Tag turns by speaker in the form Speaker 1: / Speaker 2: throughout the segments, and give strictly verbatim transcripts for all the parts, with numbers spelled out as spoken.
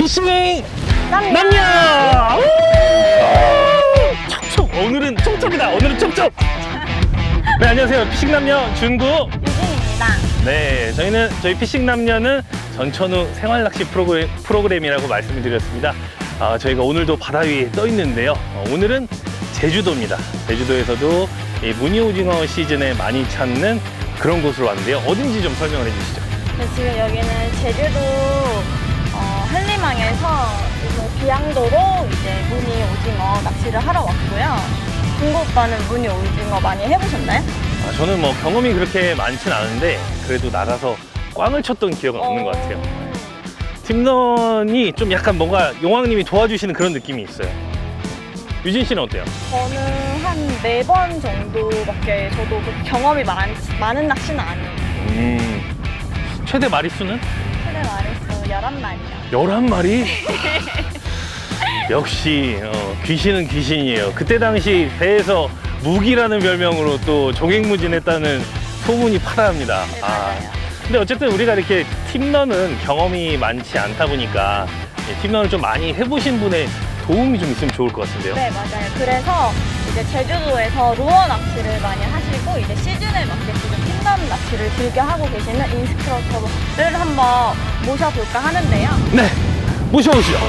Speaker 1: 피싱
Speaker 2: 남녀!
Speaker 1: 남녀! 촉촉! 오늘은 촉촉이다. 오늘은 촉촉! 네, 안녕하세요. 피싱 남녀 준구.
Speaker 2: 유진입니다.
Speaker 1: 네, 저희는 저희 피싱 남녀는 전천후 생활 낚시 프로그램, 프로그램이라고 말씀을 드렸습니다. 아, 저희가 오늘도 바다 위에 떠 있는데요. 어, 오늘은 제주도입니다. 제주도에서도 이 무늬오징어 시즌에 많이 찾는 그런 곳으로 왔는데요. 어딘지 좀 설명을 해주시죠.
Speaker 2: 네, 지금 여기는 제주도 어, 한림항에서 이제 비양도로 이제 무늬 오징어 낚시를 하러 왔고요. 준구 오빠는 무늬 오징어 많이 해보셨나요?
Speaker 1: 아, 저는 뭐 경험이 그렇게 많진 않은데 그래도 나가서 꽝을 쳤던 기억은 없는 것 같아요. 팀런이 좀 약간 뭔가 용왕님이 도와주시는 그런 느낌이 있어요. 유진 씨는 어때요?
Speaker 2: 저는 한 네 번 정도밖에 저도 그 경험이 많, 많은 낚시는 아니에요.
Speaker 1: 음, 최대 마리수는?
Speaker 2: 최대 마리수 열한 마리요.
Speaker 1: 열한 마리? 역시 어, 귀신은 귀신이에요. 그때 당시 배에서 무기라는 별명으로 또 종횡무진했다는 소문이 파다합니다.
Speaker 2: 네, 맞아요.
Speaker 1: 근데 어쨌든 우리가 이렇게 팀런은 경험이 많지 않다 보니까 팀런을 좀 많이 해보신 분의 도움이 좀 있으면 좋을 것 같은데요.
Speaker 2: 네, 맞아요. 그래서 이제 제주도에서 루어 낚시를 많이 하시고 이제 시즌에 맞게 지금 팀런 낚시를 즐겨 하고 계시는 인스트럭터를 한번 모셔볼까 하는데요.
Speaker 1: 네, 모셔오시죠.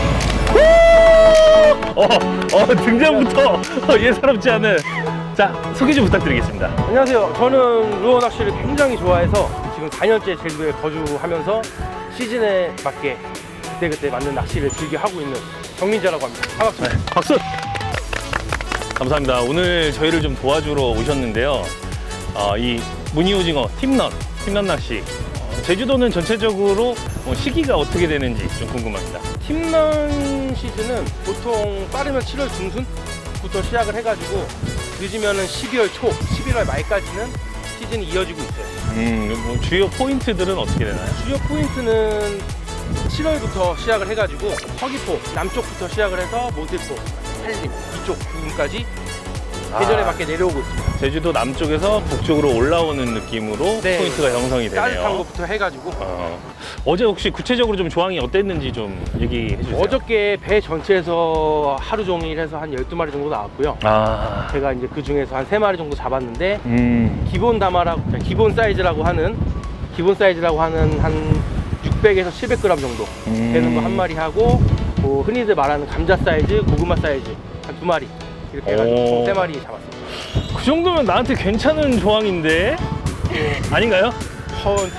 Speaker 1: 어, 어, 등장부터 어, 예사롭지 않은. 자, 소개 좀 부탁드리겠습니다.
Speaker 3: 안녕하세요. 저는 루어 낚시를 굉장히 좋아해서 지금 사 년째 제주도에 거주하면서 시즌에 맞게 그때그때 맞는 낚시를 즐겨 하고 있는 정민재라고 합니다. 반갑습니다.
Speaker 1: 네, 박수! 감사합니다. 오늘 저희를 좀 도와주러 오셨는데요. 어, 이 무늬오징어 팀런, 팀런 낚시. 어, 제주도는 전체적으로 어, 시기가 어떻게 되는지 좀 궁금합니다.
Speaker 3: 팀런 시즌은 보통 빠르면 칠월 중순부터 시작을 해가지고 늦으면은 십이월 초, 십일월 말까지는 시즌이 이어지고 있어요.
Speaker 1: 음, 뭐 주요 포인트들은 어떻게 되나요?
Speaker 3: 주요 포인트는 칠월부터 시작을 해가지고 서귀포 남쪽부터 시작을 해서 모태포, 한림 이쪽 부분까지 계절에
Speaker 1: 아.
Speaker 3: 맞게 내려오고 있습니다.
Speaker 1: 제주도 남쪽에서 북쪽으로 올라오는 느낌으로
Speaker 3: 네.
Speaker 1: 포인트가 형성이 되네요.
Speaker 3: 따뜻한 것부터 해가지고
Speaker 1: 어, 어제 혹시 구체적으로 좀 조항이 어땠는지 좀 얘기해 주세요.
Speaker 3: 어저께 배 전체에서 하루 종일 해서 한 열두 마리 정도 나왔고요.
Speaker 1: 아,
Speaker 3: 제가 이제 그 중에서 한 세 마리 정도 잡았는데
Speaker 1: 음,
Speaker 3: 기본 다마라고 기본 사이즈라고 하는 기본 사이즈라고 하는 한 육백에서 칠백 그램 정도
Speaker 1: 음.
Speaker 3: 되는 거 한 마리 하고 뭐 흔히들 말하는 감자 사이즈, 고구마 사이즈 한 두 마리 이렇게 해가지고
Speaker 1: 오.
Speaker 3: 총 세 마리 잡았습니다.
Speaker 1: 그 정도면 나한테 괜찮은 조항인데 아닌가요?
Speaker 3: 허언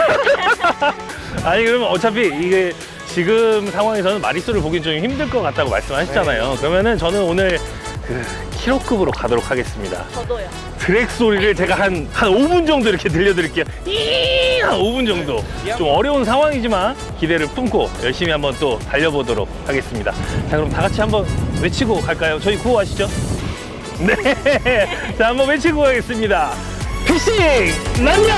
Speaker 1: 아니 그러면 어차피 이게 지금 상황에서는 마리수를 보긴 좀 힘들 것 같다고 말씀하셨잖아요.
Speaker 3: 네.
Speaker 1: 그러면은 저는 오늘 그 킬로급으로 가도록 하겠습니다.
Speaker 2: 저도요.
Speaker 1: 드랙 소리를 제가 한, 한 오 분 정도 이렇게 들려드릴게요. 이 한 오 분 정도. 좀 어려운 상황이지만 기대를 품고 열심히 한번 또 달려보도록 하겠습니다. 자, 그럼 다 같이 한번 외치고 갈까요? 저희 구호하시죠? 네. 자, 한번 외치고 가겠습니다. 피싱 남녀!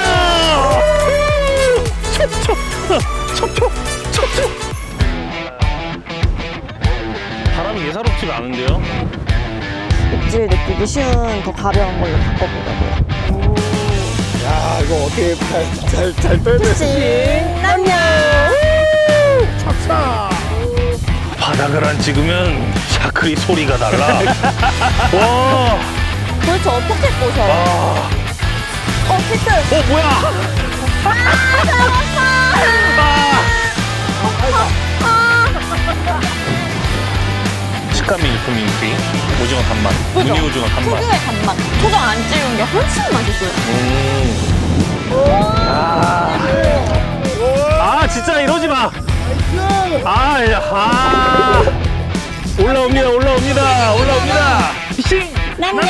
Speaker 1: 촉촉! 촉촉! 촉촉! 바람이 예사롭지가 않은데요?
Speaker 2: 입질 느끼기 쉬운 더 가벼운 걸로 바꿔보려고요.
Speaker 4: 야, 이거 어떻게 잘, 잘, 잘 빼네.
Speaker 2: 피싱 남녀!
Speaker 1: 바닥을 안 찍으면 샤크리 소리가 달라. 와,
Speaker 2: 도대체 어떻게 꼬셔요?
Speaker 1: 아,
Speaker 2: 어, 히트!
Speaker 1: 어 뭐야?
Speaker 2: 아, 잡았어!
Speaker 1: 아. 식감이 일품인 게 오징어 단맛,
Speaker 2: 그죠?
Speaker 1: 무늬 오징어 단맛.
Speaker 2: 특유의 단맛. 초장 안 찍은 게 훨씬 맛있어요.
Speaker 1: 음. 아, 아 진짜 이러지 마. 아, 야, 아. 올라옵니다, 올라옵니다, 올라옵니다. 피싱
Speaker 2: 남녀!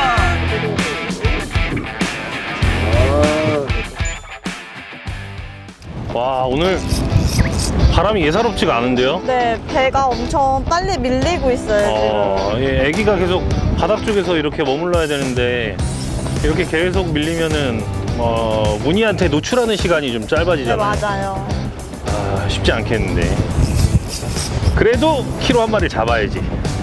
Speaker 1: 와, 오늘 바람이 예사롭지가 않은데요?
Speaker 2: 네, 배가 엄청 빨리 밀리고 있어요,
Speaker 1: 어, 예, 애기가 계속 바닥 쪽에서 이렇게 머물러야 되는데 이렇게 계속 밀리면은 어, 무늬한테 노출하는 시간이 좀
Speaker 2: 지금. 네,
Speaker 1: 짧아지잖아요.
Speaker 2: 맞아요.
Speaker 1: 아, 쉽지 않겠는데. 그래도 키로 한 마리 잡아야지.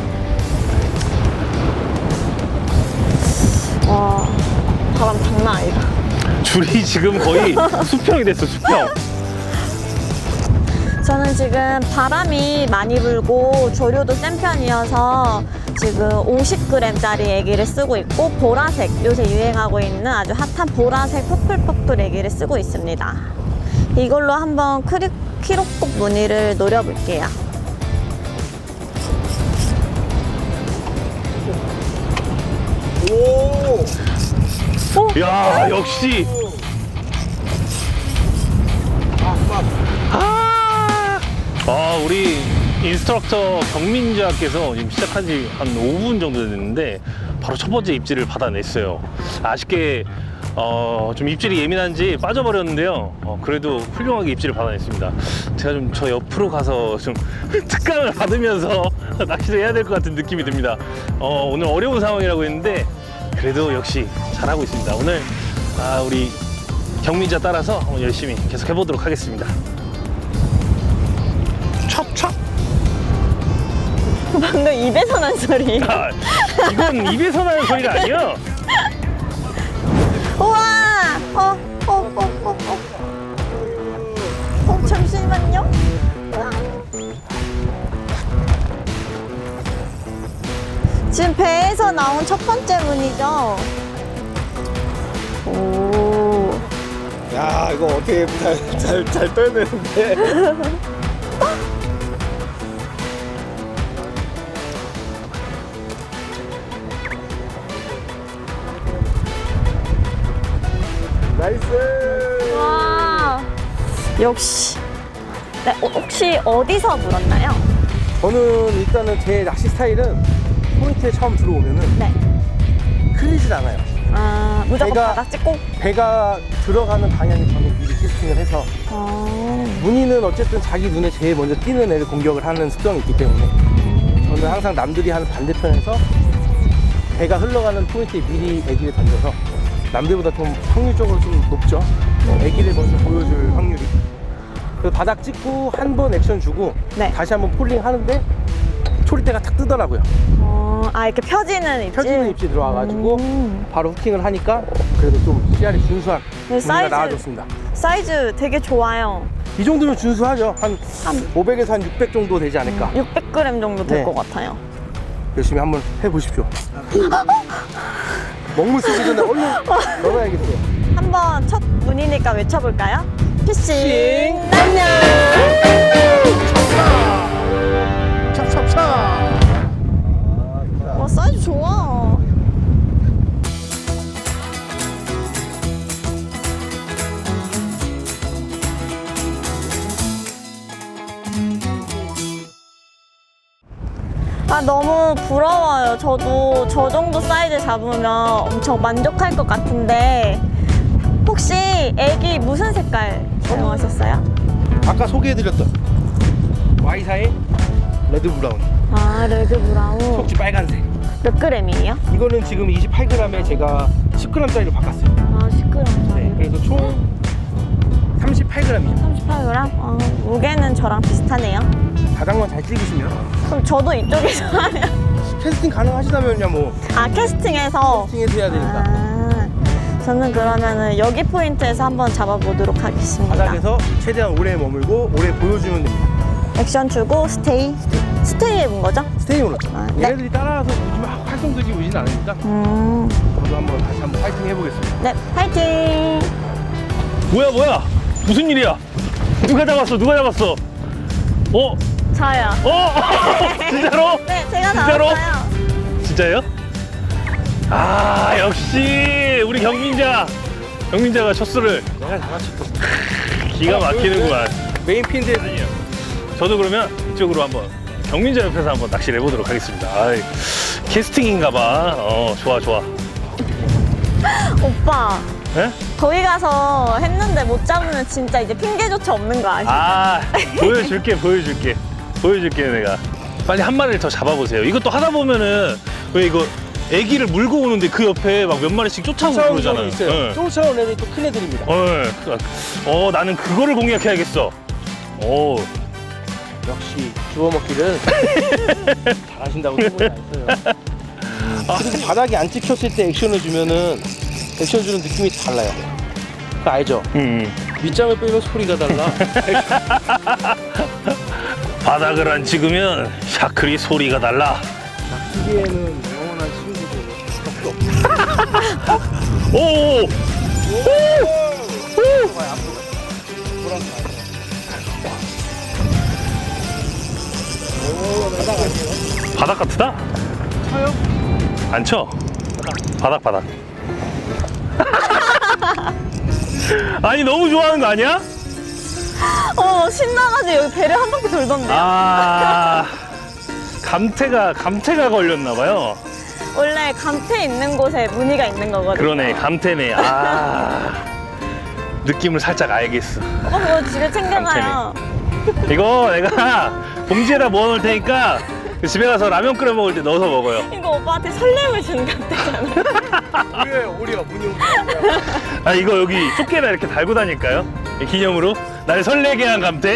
Speaker 2: 와, 바람 장난 아니다.
Speaker 1: 줄이 지금 거의 수평이 됐어, 수평.
Speaker 2: 저는 지금 바람이 많이 불고 조류도 센 편이어서 지금 오십 그램짜리 애기를 쓰고 있고 보라색, 요새 유행하고 있는 아주 핫한 보라색 퍼플퍼플 애기를 쓰고 있습니다. 이걸로 한번 크리, 키로콕 무늬를 노려볼게요.
Speaker 4: 오!
Speaker 1: 야, 역시. 아, 아, 우리 인스트럭터 경민자께서 지금 시작한 지 한 오 분 정도 됐는데 바로 첫 번째 입질을 받아냈어요. 아쉽게 어, 좀 입질이 예민한지 빠져버렸는데요. 어, 그래도 훌륭하게 입질을 받아냈습니다. 제가 좀 저 옆으로 가서 좀 특강을 받으면서 낚시를 해야 될 것 같은 느낌이 듭니다. 어, 오늘 어려운 상황이라고 했는데 그래도 역시 잘하고 있습니다. 오늘 아, 우리 경민자 따라서 열심히 계속 해보도록 하겠습니다. 찹찹!
Speaker 2: 방금 입에서 난 소리.
Speaker 1: 아, 이건 입에서 나는 소리가 아니야.
Speaker 2: 우와! 어, 어, 어, 어, 어. 어, 잠시만요. 지금 배에서 나온 첫 번째 문이죠? 오.
Speaker 4: 야, 이거 어떻게 잘, 잘, 잘 떠야 되는데. 나이스!
Speaker 2: 와. 역시. 네, 어, 혹시 어디서 물었나요?
Speaker 3: 저는 일단은 제 낚시 스타일은 포인트에 처음 들어오면은
Speaker 2: 네.
Speaker 3: 흘리질 않아요.
Speaker 2: 아, 무조건
Speaker 3: 배가-
Speaker 2: 바닥 찍고.
Speaker 3: 배가 들어가는 방향에 저는 미리 캐스팅을 해서
Speaker 2: 아.
Speaker 3: 무늬는 어쨌든 자기 눈에 제일 먼저 띄는 애를 공격을 하는 습성이 있기 때문에 저는 항상 남들이 하는 반대편에서 배가 흘러가는 포인트에 미리 애기를 던져서 남들보다 좀 확률적으로 좀 높죠. 어, 애기를 먼저 보여줄 확률이. 그래서 바닥 찍고 한 번 액션 주고
Speaker 2: 네.
Speaker 3: 다시 한번 폴링 하는데 초리대가 탁 뜨더라고요.
Speaker 2: 어, 아, 이렇게 펴지는 입질.
Speaker 3: 펴지는 입질 들어와가지고
Speaker 2: 음.
Speaker 3: 바로 후킹을 하니까 그래도 좀 씨알이 준수한
Speaker 2: 네,
Speaker 3: 무늬가
Speaker 2: 사이즈.
Speaker 3: 나와줬습니다.
Speaker 2: 사이즈 되게 좋아요.
Speaker 3: 이 정도면 준수하죠. 한
Speaker 2: 한
Speaker 3: 오백에서 한 육백 정도 되지 않을까.
Speaker 2: 육백 그램 정도 될
Speaker 3: 네.
Speaker 2: 것 같아요.
Speaker 3: 열심히 한번 해보십시오. 먹물 쓰기 전에 얼른 넣어야겠어요.
Speaker 2: 한번 첫 문이니까 외쳐볼까요? 피싱
Speaker 3: 피싱
Speaker 2: 안녕.
Speaker 3: 찹찹찹.
Speaker 2: 와, 사이즈 좋아. 아, 너무 부러워요. 저도 저 정도 사이즈 잡으면 엄청 만족할 것 같은데 혹시 애기 무슨 색깔 사용하셨어요?
Speaker 3: 아까 소개해드렸던 와이사의 레드 브라운,
Speaker 2: 아, 레드 브라운.
Speaker 3: 속지 빨간색.
Speaker 2: 몇 그램이에요?
Speaker 3: 이거는 지금 이십팔 그램에 제가 십 그램짜리로 바꿨어요.
Speaker 2: 아, 십 그램짜리.
Speaker 3: 네, 그래서 총 삼십팔 그램이죠.
Speaker 2: 삼십팔 그램? 아, 무게는 저랑 비슷하네요.
Speaker 3: 바닥만 잘 찍으시면
Speaker 2: 그럼 저도 이쪽에서 하면.
Speaker 3: 캐스팅 가능하시다면요, 뭐
Speaker 2: 아, 캐스팅해서?
Speaker 3: 캐스팅해서 해야 되니까.
Speaker 2: 아, 저는 그러면은 여기 포인트에서 한번 잡아보도록 하겠습니다.
Speaker 3: 바닥에서 최대한 오래 머물고 오래 보여주면 됩니다.
Speaker 2: 액션 주고 스테이. 스테이 해본 거죠?
Speaker 3: 스테이으로.
Speaker 2: 아, 네.
Speaker 3: 얘네들이 따라와서 요즘 막 활동들이 오진 않으니까
Speaker 2: 음,
Speaker 3: 저도 한번 다시 한번 파이팅 해보겠습니다.
Speaker 2: 네, 파이팅!
Speaker 1: 뭐야, 뭐야? 무슨 일이야? 누가 잡았어? 누가 잡았어? 어?
Speaker 2: 저요.
Speaker 1: 어? 진짜로?
Speaker 2: 네, 제가
Speaker 1: 진짜로?
Speaker 2: 나왔어요.
Speaker 1: 진짜예요? 아, 역시 우리 경민자. 경민자가 첫 수를
Speaker 3: 내가 잡았죠.
Speaker 1: 기가 막히는구만.
Speaker 3: 메인 핀데
Speaker 1: 아니요. 저도 그러면 이쪽으로 한번 경민자 옆에서 한번 낚시를 해보도록 하겠습니다. 아이, 캐스팅인가봐. 어, 좋아, 좋아.
Speaker 2: 오빠,
Speaker 1: 예?
Speaker 2: 거기 가서 했는데 못 잡으면 진짜 이제 핑계조차 없는 거 아시죠?
Speaker 1: 아, 보여줄게, 보여줄게. 보여줄게, 내가. 빨리 한 마리를 더 잡아보세요. 이것도 하다 보면은, 왜 이거 애기를 물고 오는데 그 옆에 막 몇 마리씩 쫓아오고
Speaker 3: 쫓아오는
Speaker 1: 그러잖아요.
Speaker 3: 경우 있어요.
Speaker 1: 예.
Speaker 3: 쫓아오는 애들이 또 큰 애들입니다.
Speaker 1: 어, 예. 어, 나는 그거를 공략해야겠어. 오,
Speaker 3: 역시 주워 먹기를 잘하신다고 소문이 나 있어요. 그리고 바닥이 안 찍혔을 때 액션을 주면은 액션 주는 느낌이 달라요. 그거 알죠?
Speaker 1: 음.
Speaker 3: 밑장을 빼면 소리가 달라.
Speaker 1: 바닥을 안 찍으면 샤클이 소리가 달라.
Speaker 3: 기계에는 영원한 친구들 없어.
Speaker 1: 오! 오! 바닥 같으다?
Speaker 3: 쳐요?
Speaker 1: 안 쳐? 바닥 바닥. 아니 너무 좋아하는 거 아니야?
Speaker 2: 어, 신나가지고 여기 배를 한 바퀴 돌던데요.
Speaker 1: 아 감태가 감태가 걸렸나 봐요.
Speaker 2: 원래 감태 있는 곳에 무늬가 있는 거거든요.
Speaker 1: 그러네 감태네. 아 느낌을 살짝 알겠어.
Speaker 2: 오빠 그거 집에 챙겨가요.
Speaker 1: 이거 내가 봉지에다 모아놓을 테니까 집에 가서 라면 끓여 먹을 때 넣어서 먹어요.
Speaker 2: 이거 오빠한테 설렘을 주는 감태잖아요.
Speaker 3: 오리요, 오리요, 문이
Speaker 1: 아 이거 여기 조개나 이렇게 달고 다닐까요? 기념으로 날 설레게 한 감태.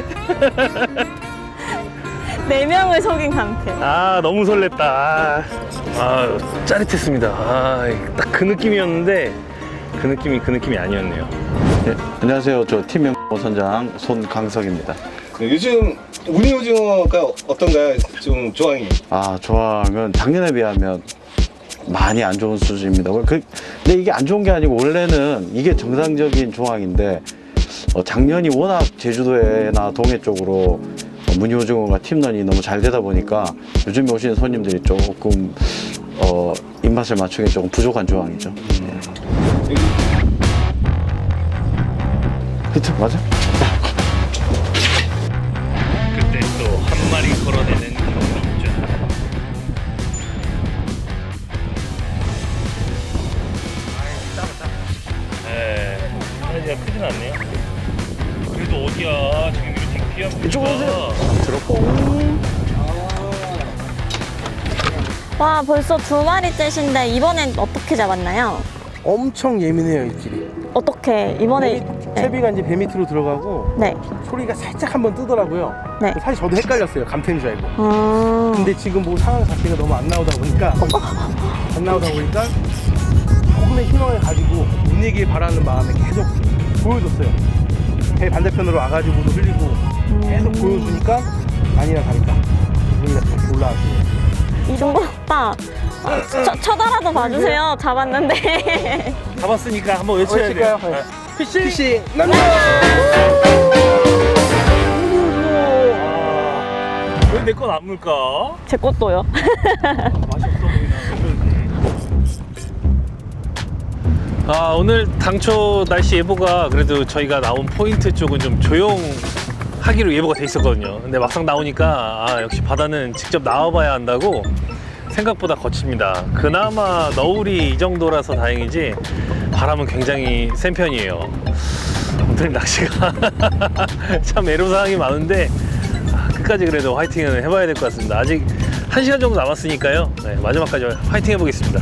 Speaker 2: 네 명을 속인 감태.
Speaker 1: 아 너무 설렜다. 아, 아 짜릿했습니다. 아딱 그 느낌이었는데 그 느낌이 그 느낌이 아니었네요.
Speaker 5: 네, 안녕하세요. 저 팀 선장 손강석입니다.
Speaker 4: 네, 요즘 우니 오징어가 어떤가요? 좀 조항이.
Speaker 5: 아, 조항은 작년에 비하면 많이 안 좋은 수준입니다. 그, 근데 이게 안 좋은 게 아니고 원래는 이게 정상적인 조항인데 어, 작년이 워낙 제주도에나 동해 쪽으로 어, 무늬오징어가 팀런이 너무 잘 되다 보니까 요즘에 오시는 손님들이 조금 어, 입맛을 맞추기 조금 부족한 조항이죠. 네. 히트 맞아?
Speaker 1: 그때 또 한 마리 걸어내는 경민자. 네, 사이즈가 크진 않네요. 그래도 어디야? 지금 이렇게 귀한
Speaker 5: 이쪽으로 오세요.
Speaker 2: 와, 벌써 두 마리째신데 이번엔 어떻게 잡았나요?
Speaker 3: 엄청 예민해요, 입질이.
Speaker 2: 어떻게 이번에?
Speaker 3: 배- 채비가 이제 배 밑으로 들어가고
Speaker 2: 네.
Speaker 3: 소리가 살짝 한번 뜨더라고요.
Speaker 2: 네.
Speaker 3: 사실 저도 헷갈렸어요, 감태인 줄 알고.
Speaker 2: 음.
Speaker 3: 근데 지금 뭐 상황 자체가 너무 안 나오다 보니까 안 나오다 보니까 조금의 희망을 가지고 운이길 바라는 마음에 계속 보여줬어요. 배 반대편으로 와가지고도 흘리고 계속 보여주니까 아니나 다를까 운이가 다시 올라왔어요.
Speaker 2: 이동건 오빠, 어, 쳐, 쳐다라도 봐주세요. 잡았는데.
Speaker 1: 잡았으니까 한번 외쳐야 돼요.
Speaker 3: 외칠까요? 네.
Speaker 1: 피싱!
Speaker 3: 피싱 남자!
Speaker 1: 왜 내 건 안 물까?
Speaker 2: 제 것도요.
Speaker 1: 맛이 없어 보이나? 아 오늘 당초 날씨 예보가 그래도 저희가 나온 포인트 쪽은 좀 조용하기로 예보가 돼 있었거든요. 근데 막상 나오니까 아 역시 바다는 직접 나와봐야 한다고 생각보다 거칩니다. 그나마 너울이 이 정도라서 다행이지 바람은 굉장히 센 편이에요. 오늘 낚시가 참 애로사항이 많은데 아, 끝까지 그래도 화이팅은 해봐야 될 것 같습니다. 아직 한 시간 정도 남았으니까요. 네, 마지막까지 화이팅 해보겠습니다.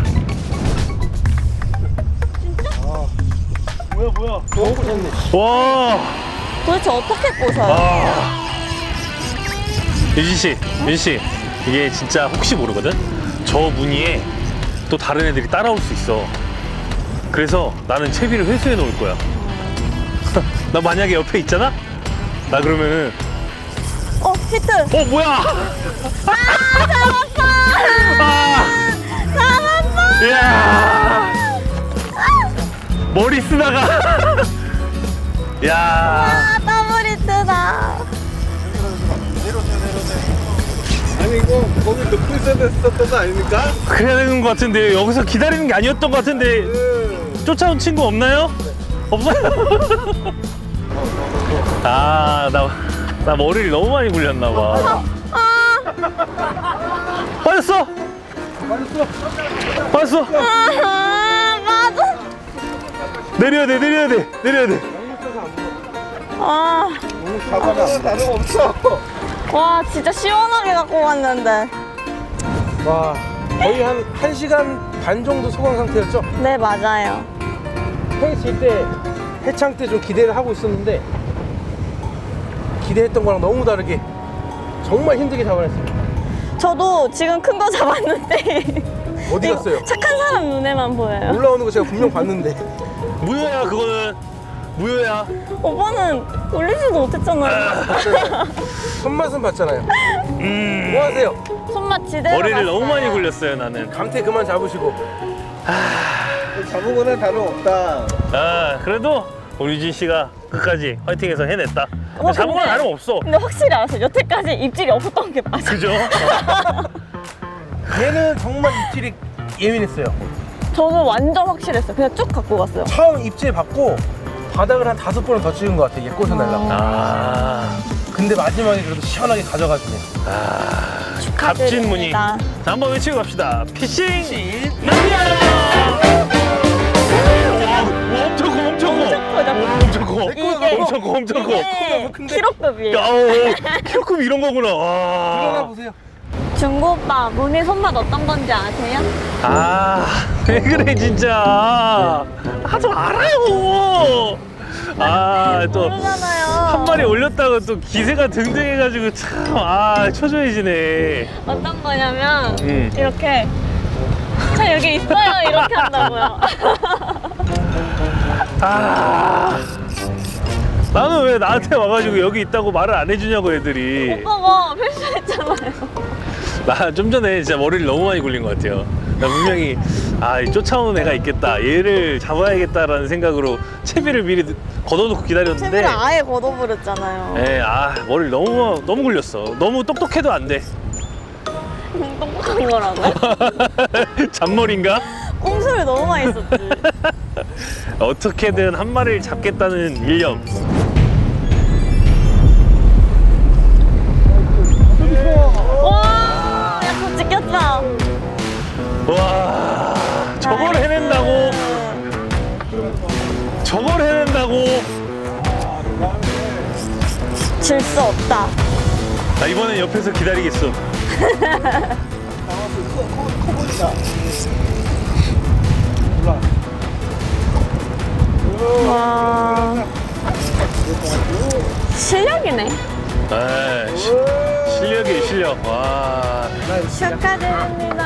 Speaker 1: 뭐야 뭐야
Speaker 3: 너무 꽂혔네.
Speaker 1: 와
Speaker 2: 도대체 어떻게 꼬셔요?
Speaker 1: 아. 유진 씨, 윤 씨, 이게 진짜 혹시 모르거든. 저 무늬에 또 다른 애들이 따라올 수 있어. 그래서 나는 채비를 회수해 놓을 거야. 나 만약에 옆에 있잖아? 나 그러면은
Speaker 2: 어, 히트!
Speaker 1: 어 뭐야?
Speaker 2: 아, 잡았어!
Speaker 1: 아,
Speaker 2: 잡았어!
Speaker 1: 이야, 머리 쓰다가, 야,
Speaker 2: 아, 더블 히트다.
Speaker 4: 아니 이거 거기 넣고 있어야 됐었던 거 아닙니까?
Speaker 1: 그래야 되는 것 같은데 여기서 기다리는 게 아니었던 것 같은데 쫓아온 친구 없나요? 없어요? 아, 나, 나 머리를 너무 많이 굴렸나 봐. 빠졌어! 빠졌어!
Speaker 2: 아, 맞아.
Speaker 1: 내려야 돼, 내려야 돼, 내려야 돼.
Speaker 2: 아,
Speaker 4: 잡아가 다름 없어.
Speaker 2: 와, 진짜 시원하게 갖고 왔는데.
Speaker 3: 와, 거의 한 1시간 반 정도 소강 상태였죠?
Speaker 2: 네, 맞아요.
Speaker 3: 형이 질 때 해창 때 좀 기대를 하고 있었는데 기대했던 거랑 너무 다르게 정말 힘들게 잡아냈습니다.
Speaker 2: 저도 지금 큰 거 잡았는데.
Speaker 3: 어디
Speaker 2: 이거
Speaker 3: 갔어요?
Speaker 2: 착한 사람 눈에만 보여요.
Speaker 3: 올라오는 거 제가 분명 봤는데
Speaker 1: 무효야, 그거는. 무효야.
Speaker 2: 오빠는 올리지도 못했잖아요.
Speaker 3: 손맛은 봤잖아요.
Speaker 1: 음.
Speaker 3: 뭐 하세요?
Speaker 2: 손맛 지대로
Speaker 1: 머리를 너무
Speaker 2: 갔어요.
Speaker 1: 많이 굴렸어요, 나는.
Speaker 3: 감태 그만 잡으시고.
Speaker 4: 잡은 거는 다름없다.
Speaker 1: 아, 그래도 우리 유진 씨가 끝까지 화이팅해서 해냈다.
Speaker 2: 어,
Speaker 1: 잡은 건
Speaker 2: 근데-
Speaker 1: 다름없어.
Speaker 2: 근데 확실히 알았어요. 여태까지 입질이 없었던 게 맞아요.
Speaker 1: 그죠?
Speaker 3: 얘는 정말 입질이 예민했어요.
Speaker 2: 저는 완전 확실했어요. 그냥 쭉 갖고 갔어요.
Speaker 3: 처음 입질 받고 바닥을 한 다섯 번을 더 찍은 것 같아. 얘 꽃을 날라고.
Speaker 1: 아,
Speaker 3: 근데 마지막에 그래도 시원하게 가져가주네.
Speaker 1: 아, 값진 무늬. 자, 한번 외치고 갑시다. 피싱 남녀! 와, 엄청 커, 엄청 커.
Speaker 2: 엄청 커요.
Speaker 1: 와, 엄청 커.
Speaker 2: 이게-
Speaker 1: 엄청 커, 엄청 커.
Speaker 2: 이게
Speaker 3: 근데-
Speaker 2: 키로급이에요.
Speaker 1: 야, 오, 키로급 이런 거구나.
Speaker 3: 일어나
Speaker 1: 와.
Speaker 3: 보세요.
Speaker 2: 중고 오빠 무늬 손맛 어떤 건지 아세요?
Speaker 1: 아, 왜 그래, 진짜. 아, 저 알아요. 아, 또.
Speaker 2: 모르잖아요.
Speaker 1: 한 마리 올렸다가 또 기세가 등등해가지고 참, 아, 초조해지네.
Speaker 2: 어떤 거냐면
Speaker 1: 음.
Speaker 2: 이렇게 저 여기 있어요 이렇게 한다고요.
Speaker 1: 아, 나는 왜 나한테 와가지고 여기 있다고 말을 안 해주냐고, 애들이.
Speaker 2: 오빠가 패션했잖아요.
Speaker 1: 나 좀 전에 진짜 머리를 너무 많이 굴린 것 같아요. 나 분명히, 아, 이 쫓아오는 애가 있겠다. 얘를 잡아야겠다라는 생각으로 채비를 미리 걷어놓고 기다렸는데.
Speaker 2: 채비를 아예 걷어버렸잖아요.
Speaker 1: 에, 아, 머리를 너무, 너무 굴렸어. 너무 똑똑해도 안 돼.
Speaker 2: 똑똑한 거라고요?
Speaker 1: 잔머리인가?
Speaker 2: 꼼수를 너무 많이 썼지.
Speaker 1: 어떻게든 한 마리를 잡겠다는 일념.
Speaker 2: 와, 약속 지켰다.
Speaker 1: 와, 저걸 해낸다고? 저걸 해낸다고?
Speaker 2: 질 수 없다.
Speaker 1: 나 이번엔 옆에서 기다리겠어.
Speaker 2: 와, 실력이네.
Speaker 1: 아, 시, 실력이 실력. 와,
Speaker 2: 축하드립니다.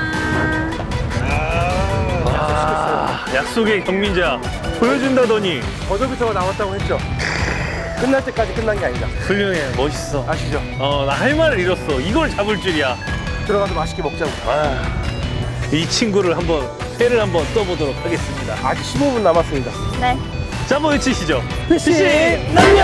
Speaker 1: 와, 약속의 경민자 보여준다더니
Speaker 3: 버저비터가 나왔다고 했죠. 끝날 때까지 끝난 게 아니다.
Speaker 1: 훌륭해, 멋있어.
Speaker 3: 아시죠?
Speaker 1: 어, 나 할 말을 잃었어. 이걸 잡을 줄이야.
Speaker 3: 들어가서 맛있게 먹자고.
Speaker 1: 아, 이 친구를 한번 회를 한번 떠보도록 하겠습니다.
Speaker 3: 아직 십오 분 남았습니다.
Speaker 2: 네.
Speaker 1: 자, 한번 외치시죠. 피싱
Speaker 3: 남녀!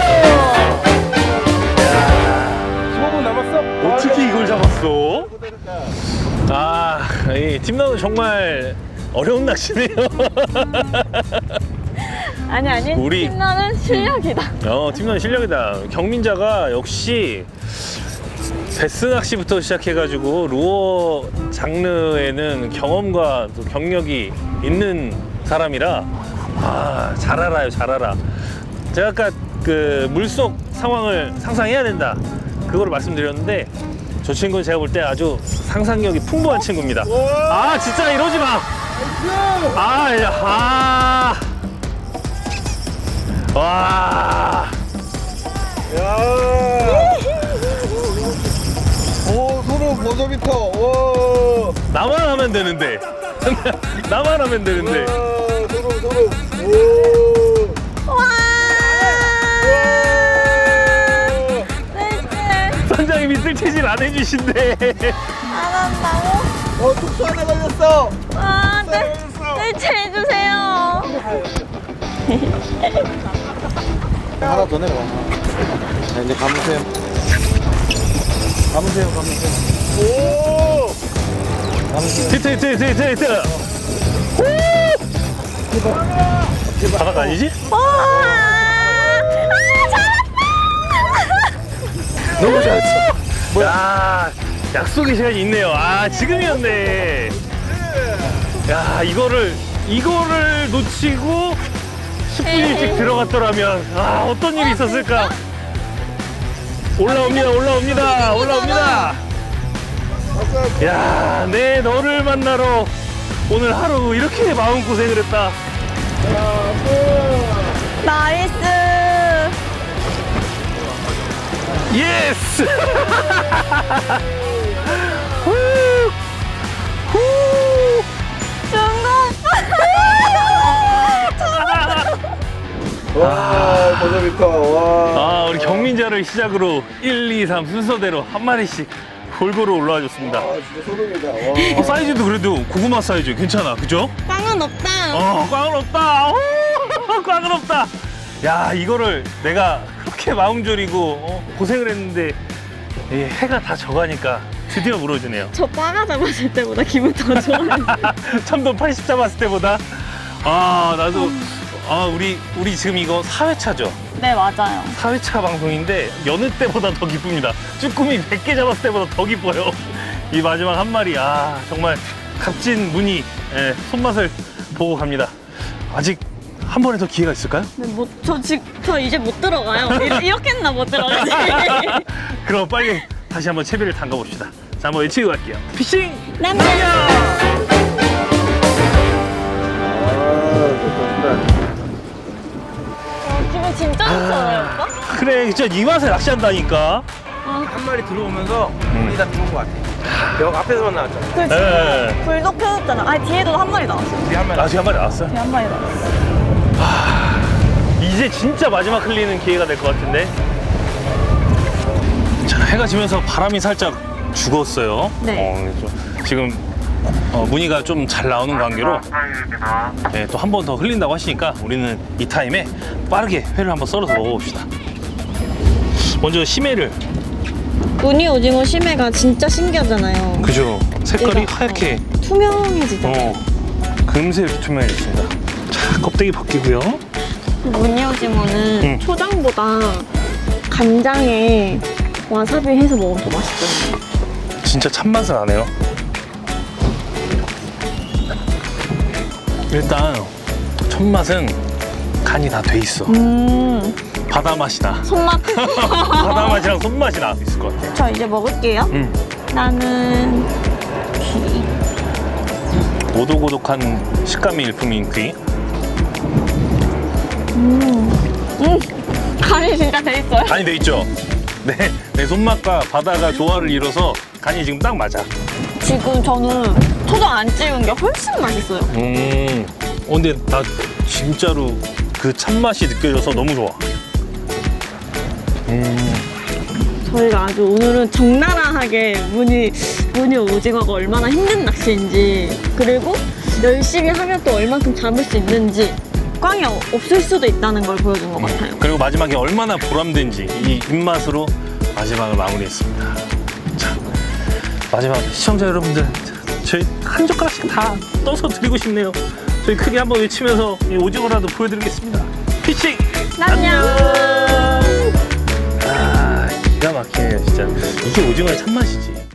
Speaker 3: 십오 분 남았어?
Speaker 1: 어떻게 이걸 잡았어? 아, 이 팀나는 정말 어려운 낚시네요.
Speaker 2: 아니 아니.
Speaker 1: 우리-
Speaker 2: 팀나는 실력이다.
Speaker 1: 어, 팀나는 실력이다. 경민자가 역시 베스 낚시부터 시작해가지고 루어 장르에는 경험과 또 경력이 있는 사람이라 아, 잘 알아요, 잘 알아. 제가 아까 그 물속 상황을 상상해야 된다, 그거를 말씀드렸는데 저 친구는 제가 볼 때 아주 상상력이 풍부한 친구입니다. 아, 진짜 이러지 마. 아, 야, 아. 와.
Speaker 4: 야. 오, 소름 버저비터. 오.
Speaker 1: 나만 하면 되는데. 나만 하면 되는데.
Speaker 4: 와, 소름 소름. 오.
Speaker 2: 와.
Speaker 4: 와.
Speaker 2: 네,
Speaker 1: 선장님이 쓸채질 안 해주신대.
Speaker 2: 안 한다고?
Speaker 4: 어, 툭수 하나 걸렸어.
Speaker 2: 아, 네. 네, 해주세요.
Speaker 5: 하나 더 내려와. 자, 이제 감으세요. 감으세요, 감으세요.
Speaker 4: 오.
Speaker 5: 감으세요.
Speaker 1: 히트, 히트, 히트, 히트, 히트. 후! 바닥 아니지?
Speaker 2: 와. 아,
Speaker 1: 너무 잘했어. 뭐야? 약속의 시간이 있네요. 아, 지금이었네. 야, 이거를 이거를 놓치고 십 분 일찍 들어갔더라면 아, 어떤 일이 있었을까? 올라옵니다, 올라옵니다, 올라옵니다. 야, 내 너를 만나러 오늘 하루 이렇게 마음고생을 했다.
Speaker 2: 나이스.
Speaker 1: 예스! 후! 후!
Speaker 2: 중국.
Speaker 1: 아,
Speaker 4: 버저비터. 와.
Speaker 1: 아, 우리 경민자를 시작으로 일, 이, 삼 순서대로 한 마리씩 골고루 올라와 줬습니다.
Speaker 4: 아, 진짜 소름이다. 와.
Speaker 1: 어, 사이즈도 그래도 고구마 사이즈 괜찮아, 그죠?
Speaker 2: 꽝은 없다.
Speaker 1: 어, 꽝은 없다. 오, 꽝은 없다. 야, 이거를 내가 그렇게 마음 졸이고 어, 고생을 했는데 이 해가 다 져가니까 드디어 물어주네요.
Speaker 2: 저 빠가 잡았을 때보다 기분 더 좋아요.
Speaker 1: 참돔 팔십 잡았을 때보다. 아, 나도 아, 우리 우리 지금 이거 사 회차죠?
Speaker 2: 네, 맞아요.
Speaker 1: 사 회차 방송인데 여느 때보다 더 기쁩니다. 쭈꾸미 백 개 잡았을 때보다 더 기뻐요. 이 마지막 한 마리, 아, 정말 값진 무늬, 예, 손맛을 보고 갑니다. 아직 한 번에 더 기회가 있을까요?
Speaker 2: 네, 못, 저 지금 저 이제 못 들어가요. 이- 이렇게 했나 못 들어가지.
Speaker 1: 그럼 빨리 다시 한번 채비를 담가 봅시다. 자, 한번 외치고 갈게요. 피싱!
Speaker 2: 남자. 어, 기분 진짜 좋잖아요, 오빠?
Speaker 1: 그래, 진짜 이 맛에 낚시한다니까.
Speaker 3: 한 마리 들어오면서 물이 다 들어온 것 같아. 벽 앞에서만 나왔잖아.
Speaker 2: 그
Speaker 1: 네.
Speaker 2: 지금 불독 펴졌잖아. 아, 뒤에도 한 마리 나왔어.
Speaker 3: 우리 한 마리.
Speaker 1: 아직 한 마리 나왔어요.
Speaker 2: 뒤에 한 마리 나왔어.
Speaker 1: 이제 진짜 마지막 흘리는 기회가 될 것 같은데. 자, 해가 지면서 바람이 살짝 죽었어요.
Speaker 2: 네.
Speaker 1: 어, 좀 지금 어, 무늬가 좀 잘 나오는 관계로 네, 또 한 번 더 흘린다고 하시니까 우리는 이 타임에 빠르게 회를 한번 썰어서 먹어봅시다. 먼저 심해를.
Speaker 2: 무늬 오징어 심해가 진짜 신기하잖아요.
Speaker 1: 그죠? 색깔이
Speaker 2: 얘가,
Speaker 1: 하얗게
Speaker 2: 어, 투명해지잖아요.
Speaker 1: 어, 금세 이렇게 투명해졌습니다. 자, 껍데기 벗기고요.
Speaker 2: 무늬 오징어는
Speaker 1: 응.
Speaker 2: 초장보다 간장에 와사비 해서 먹으면 더 맛있잖아요.
Speaker 1: 진짜 참맛은 안 해요. 일단 첫 맛은 간이 다 돼 있어.
Speaker 2: 음,
Speaker 1: 바다 맛이 나.
Speaker 2: 손맛.
Speaker 1: 바다 맛이랑 손맛이 나 있을 것 같아.
Speaker 2: 저 이제 먹을게요.
Speaker 1: 음.
Speaker 2: 나는 귀.
Speaker 1: 오독오독한 식감이 일품인 귀.
Speaker 2: 음, 간이 진짜 돼 있어요.
Speaker 1: 간이 돼 있죠? 네, 내 손맛과 바다가 조화를 이뤄서 간이 지금 딱 맞아.
Speaker 2: 지금 저는 초장 안 찍은 게 훨씬 맛있어요.
Speaker 1: 음, 어, 근데 나 진짜로 그 참맛이 느껴져서 너무 좋아. 음,
Speaker 2: 저희가 아주 오늘은 적나라하게 무늬, 무늬 오징어가 얼마나 힘든 낚시인지, 그리고 열심히 하면 또 얼만큼 잡을 수 있는지, 꽝이 어- 없을 수도 있다는 걸 보여준 것 같아요.
Speaker 1: 그리고 마지막에 얼마나 보람된지 이 입맛으로 마지막을 마무리했습니다. 자, 마지막 시청자 여러분들, 저희 한 젓가락씩 다 떠서 드리고 싶네요. 저희 크게 한번 외치면서 이 오징어라도 보여드리겠습니다. 피칭!
Speaker 2: 안녕!
Speaker 1: 아, 기가 막히네요, 진짜. 이게 오징어의 참맛이지.